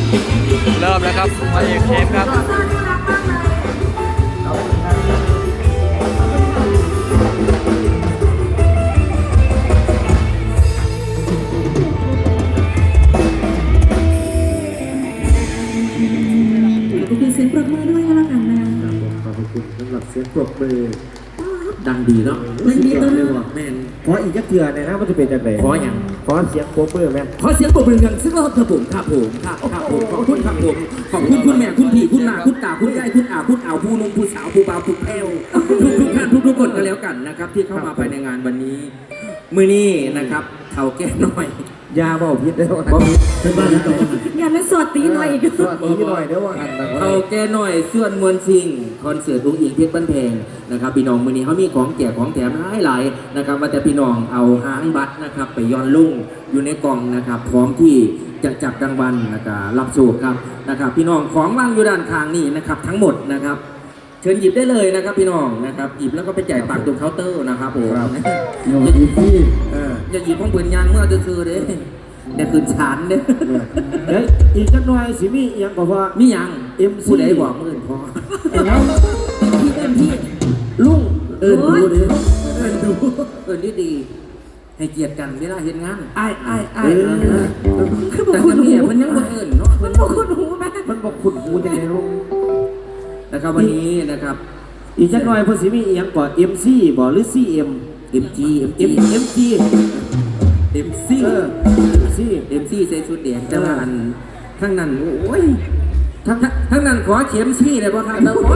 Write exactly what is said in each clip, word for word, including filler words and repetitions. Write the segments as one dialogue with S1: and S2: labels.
S1: เริ่มแล้วครับพระเอกเข้มครับ
S2: เสียงปรบมือด้วยก็แล้วกันนะ
S3: ขอบคุณสำหรับเสียงปรบมือดังดีเนาะ
S2: ดังดีตัวนึง
S3: แม่นขออีกจักเทื่อเนี่ยนะมันจะเป็นจังได๋ขออย่างขอเสียงปรบมือแม่ขอเสียงปรบมือกันซึ่งก็ครับผมครับผมครับครับผมขอบคุณครับผมขอบคุณคุณแม่คุณพี่คุณน้าคุณตาคุณยายคุณอาคุณอ่าวผู้นุ่มผู้สาวผู้บ่าวผู้แพ้วทุกทุกท่านทุกทุกคนก็แล้วกันนะครับที่เข้ามาภายในงานวันนี้มื้อนี้นะครับเฒ่าแก่น้อยยาบ่ผิดเด้อบ่ผิดเป็นบ้านแล้วก็
S2: อย่าไปสวดตีหน่อยอีก
S3: สวดตีหน่อยเด้อว่า
S4: เอาแกหน่อยส่วนมวลชิงคอนเสิร์ตลุงอิงเพชรบ้านแพงนะครับพี่น้องมื้อนี้เขามีของแจกของแถมหลายๆนะครับว่าแต่พี่น้องเอาหางบัตรนะครับไปย้อนลุ่งอยู่ในกล่องนะครับพร้อมที่จะจับรางวัลนะครับรับโชคครับนะครับพี่น้องของวางอยู่ด้านข้างนี่นะครับทั้งหมดนะครับเชิญหยิบได้เลยนะครับพี่น้องนะครับหยิบแล้วก็ไปจ่ายตังค์ตรงเคาน์เตอร์นะครับผมอย่าหยิบที่อย่าหยิบของปืนยางเมื่อจะซื้อเด้เดี๋ยวคืนชานเด้
S3: เฮ้ยอีกจักหน่อยสิมีอีหยังก็ว่า
S4: มีหยัง
S3: เอ็ม
S4: ผู้ใดบอกมื่นพอ
S3: แล้ว
S2: พี่เอ็มพี่
S3: ลุงเอิ้นดูดิ
S4: เอิ้นดูเอิ้นดีดีให้เกียรติกันเวลาเห็นงาน
S3: อ้ายอ้ายอ้าย
S4: แต่คนนี้มันยังบ่เอิ้นเนาะ
S2: มันบอกคุณหูไหม
S3: มันบอกคุณหูจังได๋ลุง
S4: นะครับวันนี้นะครับ
S3: อีกจักหน่อยเพิ่นสิมีอีหยังก่อน เอ็ม ซี บ่หรือ ซี เอ็ม
S4: เอ็ม จี เอ็ม จี
S3: เอ็ม จี
S4: เอ็ม ซี
S3: เออ เอ็ม ซี
S4: เอ็ม ซีใส่ชุดแดงแต่ว่าอันทั้งนั้นโอ้ยทั้งทั้งนั้นขอเข็มซี่เลยบ่ครับแล้วขอ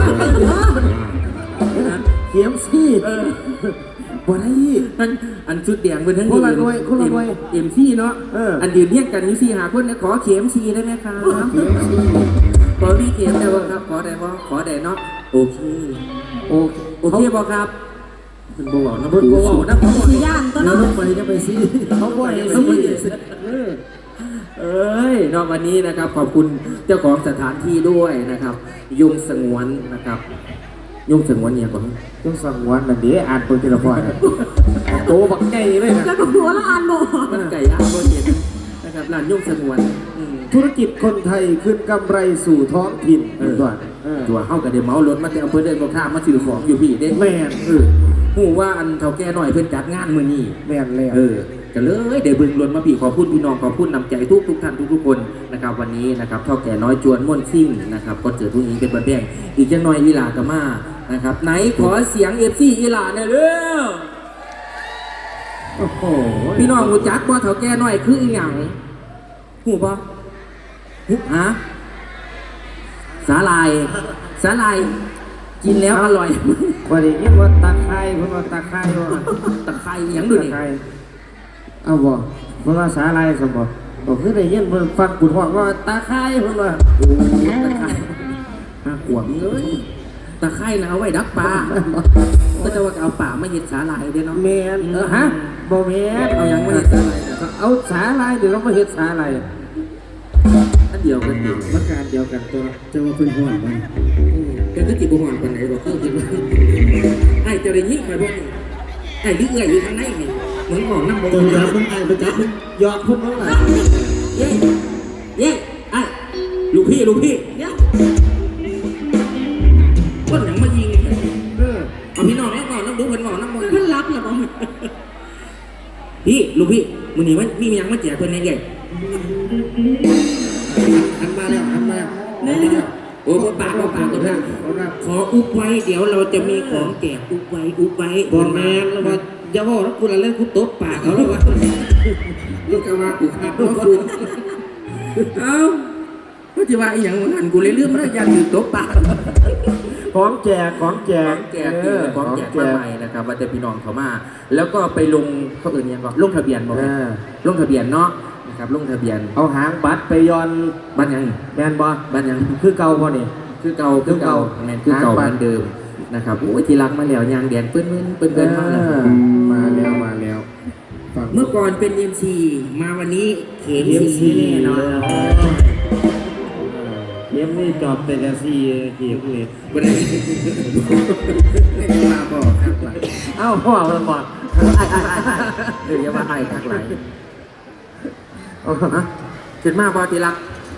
S3: เข็มซี่เออบ่ได้
S4: อันอันชุดแดงเพิ่นทั้ง
S3: คนละหน่วยคนละหน่วย
S4: เอ็ม ซี เนาะอันเดียวเรียกกันนี่สี่หาคนขอเข็มซี่ได้ไหมครับเข็มซี่ขอพี่เข็มได้บ่ครับขอได้บ่ขอได้เนาะโอเคโอโอเคบ่ครับ
S3: เป็นบ่าวนะเพิ่นบ่าวนะ
S2: สีย่านตัวน้อง
S3: ไปจะไปซีเขาบ่ให้ซี
S4: เอ้ยนอกวันนี้นะครับขอบคุณเจ้าของสถานที่ด้วยนะครับยุงสงวนนะครับยุงสงวนเนี่ยก่อน
S3: ยุงสงวนนั่นเดี๋ยวอ่านเปิดทีละพอยโตบักไก่เลยนะ
S2: แล้วก็หัวละอ่านบ่
S4: มันไก่อ่านบ่เห็นนะครับร้านยุงสงวน
S3: ธุรกิจคนไทยขึ้นกำไรสู่ท้องถิ่นก่อน
S4: ตัวเข้ากับเดี๋ยวเมารถมาแต่อำเภอเดินบ่ข้ามมาซื้อของอยู่พี่เด้
S3: แม่น
S4: เออหูว่าอันเฒ่าแก่หน่อยเพิ่นจัดงานมื้อนี้
S3: แม่นแล้ว
S4: เออก็เลยเดี๋ยวบึงล้นมาพี่ขอพูดพี่น้องขอพูดนำใจทุกทุกท่านทุกทุกคนนะครับวันนี้นะครับเฒ่าแก่น้อยจวนม่วนซิ่งนะครับก็เจอทุกนี้เป็นบันแดงอีกจังหน่อยอีหลากะมานะครับไหนขอเสียง เอฟ ซี อีหลาหน่อยเร็วโอ้โหพี่น้องรู้จักบ่เฒ่าแก่น้อยคืออีหยังฮู้บ่ฮู้ฮะสาลายสาลายกินแล้วอร่อย
S3: ว่าได้ยินว่าตะไคร้เพิ่นว่าตะไคร้ว่า
S4: ตะไคร้หยังดูนี่
S3: เอาบ่เพิ่นว่าสาลายซั่นบ่บ่คือได้ยินเพิ่นฟังกุดฮ้องว่าตะไคร้เพิ่นว่าโอ้ตะไคร้
S4: ห้าขวบเอ้ยตะไคร้น่ะเอาไว้ดักปลาก็จะว่าเอาป่ามาเฮ็ดสาลายเด้เนาะ
S3: แม่นเออฮะบ่แม่น
S4: เอาหยังมาเฮ็ดสาลาย
S3: เอาสาลายเดี๋ยวเรามาเฮ็ดสาลาย
S4: อันเดียวกันดิ
S3: มันการเดียวกันตัวจะว่าเพิ่นฮ้อนบ่
S4: เป็นที่บุหรี่คนไหนบอกเพิ่มขึ้นมาไอ้จะได้ยิ่งไปบ่นี่ไอ้ลึกเอื่อยอยู่ทางไหนนี่เหมือนของน้ำบง
S3: ตัวยับมันไอ้ประจับมันยอดพุ่นเท่าไหร่
S4: เย้เย้ไอ้ลูกพี่ลูกพี่เนี่ยคนอย่างมายิงเออเอาพี่น้องแล้วก่อนน้ำดูเพิ่นบอกน้ำบง
S2: เพิ่นรับเหรอบ่
S4: พี่ลูกพี่มื้อนี้มันมียังมาแจกเพิ่นในใหญ่
S3: หันมาแล้วหันมา
S4: เนี่ยโอ้ปากปากกันนะขออุบไว้เดี๋ยวเราจะมีของแจกอุบไว้อุบไว้
S3: บอลแมนแล้วว่าอย่าบอกนะคุณอะไรคุณตบปากเขาแล้วว่า
S4: ลูกกระว่ากูขาดว่าคุณเอ้าก็จะว่าอย่างนั้นกูเลยเรื่องมันยันอยู่ตบปาก
S3: ของแจกของแจก
S4: แจกของแจกมาใหม่นะครับว่าจะพี่น้องเขามาแล้วก็ไปลงเขาเอื่นยังก็ลงทะเบียนบอกลงทะเบียนเนาะนะครับลงทะเบียน
S3: เอาหางบัตรไปย้อน
S4: บัตรยัง
S3: แมนบอ
S4: บัตรยัง
S3: คือเก่าบ่นี่
S4: คือเก่าคือเก่าแมนคือเก่าเหมือนเดิมนะครับโอ้ยทีรักมาแล้วยางแดนเปิ้นเปิ้นเปิ้นมาแล้ว
S3: มาแล้วมาแล้ว
S4: เมื่อก่อนเป็น เอ็ม ซี มาวันนี้เข็ม ซี เนาะ
S3: เข็มนี่จอบแต่ละซีเข็มเลย
S4: วันนี้ไม่ได้มาบอกครับ
S3: เอ้าพ่อมาบอก
S4: เดี๋ยวมาไอ้ทักไหลเอาฮะขึ้นมาบอทีรัก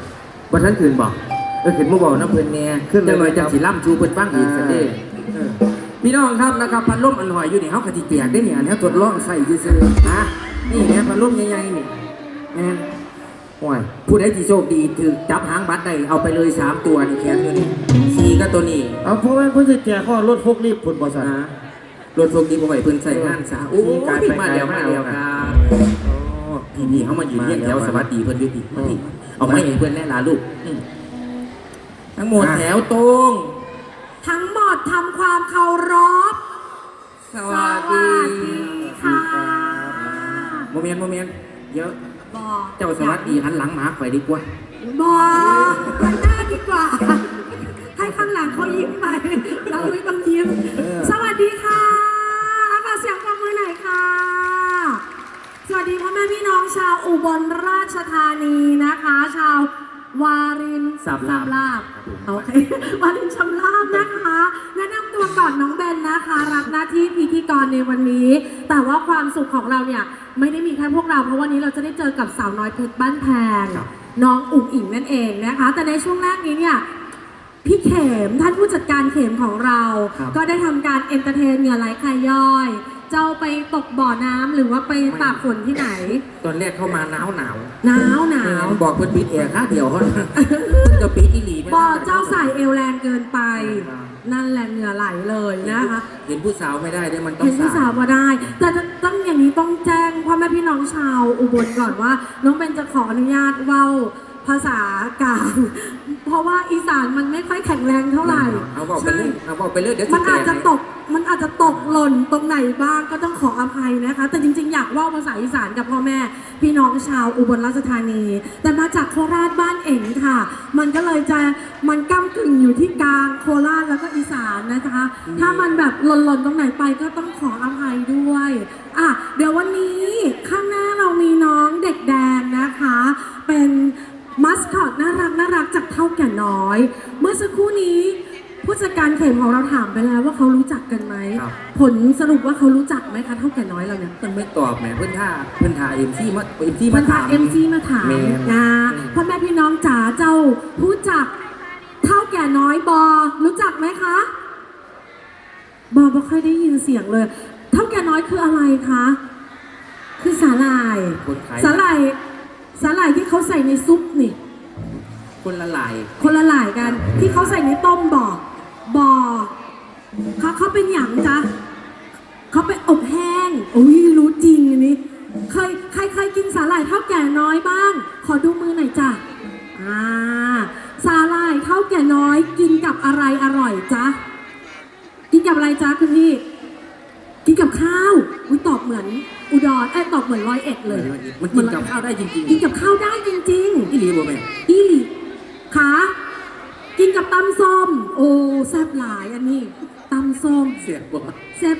S4: ว่าท่านคืนบอกเออคืนมาบอกน้ำเพิ่นแน่ขึ้นเลยมาจากสีล่ำชูเพิ่นฟังอีกสันเด้เออพี่น้องครับนะครับพัดลมอันหอยอยู่นี่เขากะทิแตกได้เนี่ยเนี่ยทดลองใส่ซื่อๆนะนี่เนี่ยพัดลมใหญ่ๆนี่แม่นโอ้ยผู้ใดที่โชคดีถือจับหางบัตรได้เอาไปเลยสามตัวนี่แขนตัวนี้สี่ก็ตัวนี้
S3: เอาเพราะว่าเพิ่นสิแจกข้อรถพกรีบผลบ่ซั่น
S4: นะรถพวกนี้ผมไปเพิ่นใส่งานสาโอ้ยมาแล้วมาแล้วครับพี่พี่เขามายืนเรียกแถวสวัสดีเพิ่นอยู่พี่มาพี่เอาไม้ให้เพิ่นแน่ล่ะลูกอืมทั้งหมดแถวตรง
S2: ทั้งหมดทำความเคารพ
S4: สวัสดี
S2: ค่ะ
S4: โมเมนต์โมเมนต์เยอะ
S2: บอก
S4: เจ้าสวัสดีหันหลังหมาไปดีกว่า
S2: บอกหันหน้าดีกว่า ให้ข้างหลังเขายิ้มไป เราไม่ต้องยิ้ม สวัสดีค่ะขอเสียงปรบมือหน่อยค่ะ สวัสดีพ่อแม่พี่น้องชาวอุบลราชธานีนะคะ ชาววาริน
S4: สามลาบ
S2: ลาบโอเค วารินชำลาบนะคะ แนะนำตัวก่อนน้องเบนนะคะ รับหน้าที่พิธีกรในวันนี้ แต่ว่าความสุขของเราเนี่ยไม่ได้มีแค่พวกเราเพราะวันนี้เราจะได้เจอกับสาวน้อยเพชรบ้านแพงน้องอุ๋งอิ๋งนั่นเองนะคะ แต่ในช่วงแรกนี้เนี่ยพี่เข็มท่านผู้จัดการเข็มของเรา ก็ได้ทำการเอนเตอร์เทนเหงื่อไหลใครย่อย เจ้าไปตกบ่อน้ำหรือว่าไปตากฝนที่ไหน
S4: ตอนแรกเข้ามาหนาวหนาว
S2: หนาวหนาว
S4: บอกเพิ่นปิดแอร์ค่าเดียวเขาเพิ่นก็ปิดอีหลี
S2: บ่อเจ้าใส่เอวแรงเกินไป นั่นแหละเหงื่อไหลเลยนะคะ
S4: เห็นผู้สาวไม่ได้ด้วยมันต้อง
S2: เห็นผู้สาวมาได้ แต่ต้องอย่างนี้ต้องแจ้งพ่อแม่พี่น้องชาวอุบลก่อนว่า น้องเบนจะขออนุญาตเว้าภาษากลาง เพราะว่าอีสานมันไม่ค่อยแข็งแรงเท่าไหร่
S4: เอาบอกไปเลยเอาบอกไปเลยเดี๋ยว
S2: มันอาจจะตก มันอาจจะตกหล่นตรงไหนบ้างก็ต้องขออภัยนะคะ แต่จริงๆ อยากเว่าภาษาอีสานกับพ่อแม่พี่น้องชาวอุบลราชธานี แต่มาจากโคราชบ้านเอ๋งค่ะ มันก็เลยจะมันก้ากึ่งอยู่ที่กลางโคราชแล้วก็อีสานนะคะ ถ้ามันแบบหล่นๆตรงไหนไปก็ต้องขออภัยด้วยอ่ะเดี๋ยววันนี้ข้างหน้าเรามีน้องเด็กแดงนะคะ เป็นมัสคอตน่ารักน่ารักจากเท่าแก่น้อย เมื่อสักครู่นี้ผู้จัดการเข็มของเราถามไปแล้วว่าเขารู้จักกันไหมผลสรุปว่าเขารู้จักไหมคะเท่าแก่น้อยเราเนี่ย
S4: เพิ่นไม่ตอบแหมเพิ่นท่าเพิ่นท่าเอ็มซีมาเอ็มซี
S2: มั
S4: มาน
S2: พา
S4: ถาม
S2: เอ็มซีมาถาม
S4: แม่
S2: นะพ่อแม่พี่น้องจ๋าเจ้ารู้จักเท่าแก่น้อยบอรู้จักไหมคะบอไม่ค่อยได้ยินเสียงเลย เท่าแก่น้อยคืออะไรคะคือสาหร่าย
S4: คนขาย
S2: สาหร่ายสาหร่ายที่เขาใส่ในซุปนี่
S4: คนละลาย
S2: คนละหลายกันที่เขาใส่ในต้มบ่อบ่อเขาเขาเป็นหยังจ๊ะเขาไปอบแห้งโอ้ยรู้จริงอันนี้เคยใครเคยกินสาหร่ายเท่าแก่น้อยบ้าง ขอดูมือหน่อยจ้ะอ่าสาหร่ายเท่าแก่น้อยกินกับอะไรอร่อยจ๊ะกินกับอะไรจ๊ะคุณพี่กินกับข้าวอุ้ยตอบเหมือนอุดรเอ้ยตอบเหมือนร้อยเอ็ดเลย
S4: มันกินกับข้าวได้จริง
S2: กินกับข้าวได้จริงๆ
S4: ๆอีหลีบ่แม่
S2: อีหลีขากินกับตำส้มโอ้แซ่บหลายอันนี้ตำส้ม
S4: เสียบบ่
S2: แซ่บ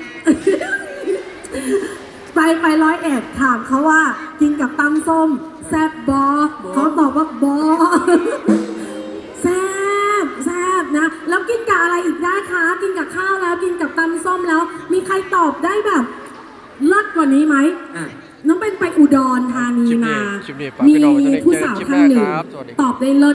S2: ไปไปร้อยเอ็ดถามเขาว่า กินกับตำส้มแซ่บบอเขาตอบว่าบอ แซ่บแซ่บนะแล้วกินกับอะไรอีกได้คะกินกับข้าวแล้วกินกับตำส้มแล้ว มีใครตอบได้แบบเลิศกว่านี้ไหม
S4: อ่ะ
S2: น้องเป็นไปอุดรธานี
S1: คลิปนี้
S2: มา
S1: คลิปนี้ฝากพี่
S2: มี
S1: น้องไว้เท่านี้
S2: ผู้
S1: เจอกัน
S2: สาว
S1: คลิป
S2: ท่านหนึ่
S1: ห
S2: ง
S1: น้าครับสวัสดีครับ
S2: ตอบได้เลิศ